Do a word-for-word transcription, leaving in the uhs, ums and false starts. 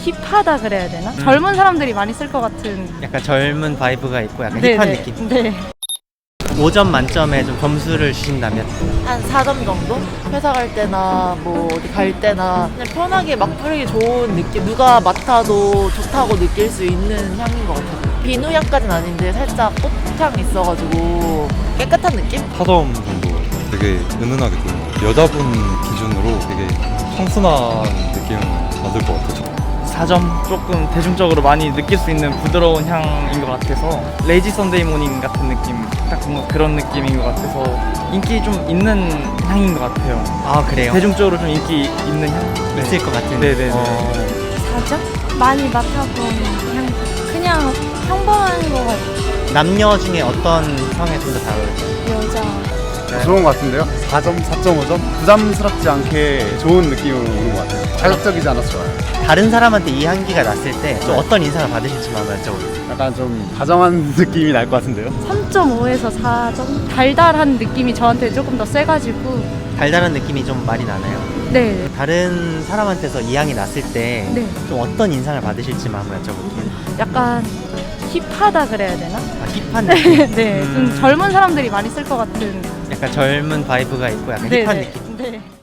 힙하다 그래야 되나? 음. 젊은 사람들이 많이 쓸 것 같은. 약간 젊은 바이브가 있고 약간 네, 힙한 네. 느낌. 네. 오 점 만점에 좀 점수를 주신다면? 한 사 점 정도? 회사 갈 때나 뭐 어디 갈 때나 그냥 편하게 막 뿌리기 좋은 느낌, 누가 맡아도 좋다고 느낄 수 있는 향인 것 같아요. 비누향까지는 아닌데 살짝 꽃향 있어가지고 깨끗한 느낌? 사 점 정도 되게 은은하게 보이는 것 같아요. 여자분 기준으로 되게 청순한 느낌을 받을 것 같아요. 사 점 조금 대중적으로 많이 느낄 수 있는 부드러운 향인 것 같아서 레이지 선데이 모닝 같은 느낌, 딱 뭔가 그런 느낌인 것 같아서 인기 좀 있는 향인 것 같아요. 아 그래요? 대중적으로 좀 인기 있는 향? 있을 것 같은. 네네네. 어, 사 점? 많이 맡아본 향. 그냥 평범한 것 같아요. 남녀 중에 어떤 성에 좀 더 잘 어울려요? 여자. 좋은 것 같은데요? 사 점, 사 점 오 점? 부담스럽지 않게 좋은 느낌으로 오는 것 같아요. 자극적이지 않아서 좋아요. 다른 사람한테 이 향기가 났을 때 좀 네. 어떤 인상을 받으실지만 한번 여쭤볼게요. 약간 좀 다정한 느낌이 날 것 같은데요? 삼 점 오에서 사 점? 달달한 느낌이 저한테 조금 더 세가지고. 달달한 느낌이 좀 많이 나나요? 네. 다른 사람한테서 이 향이 났을 때 좀 네. 어떤 인상을 받으실지만 한번 여쭤볼게요. 약간 힙하다 그래야 되나? 아, 힙한 느낌? 네. 좀 음. 젊은 사람들이 많이 쓸 것 같은. 약간 젊은 바이브가 있고 약간 네, 힙한 네. 느낌. 네.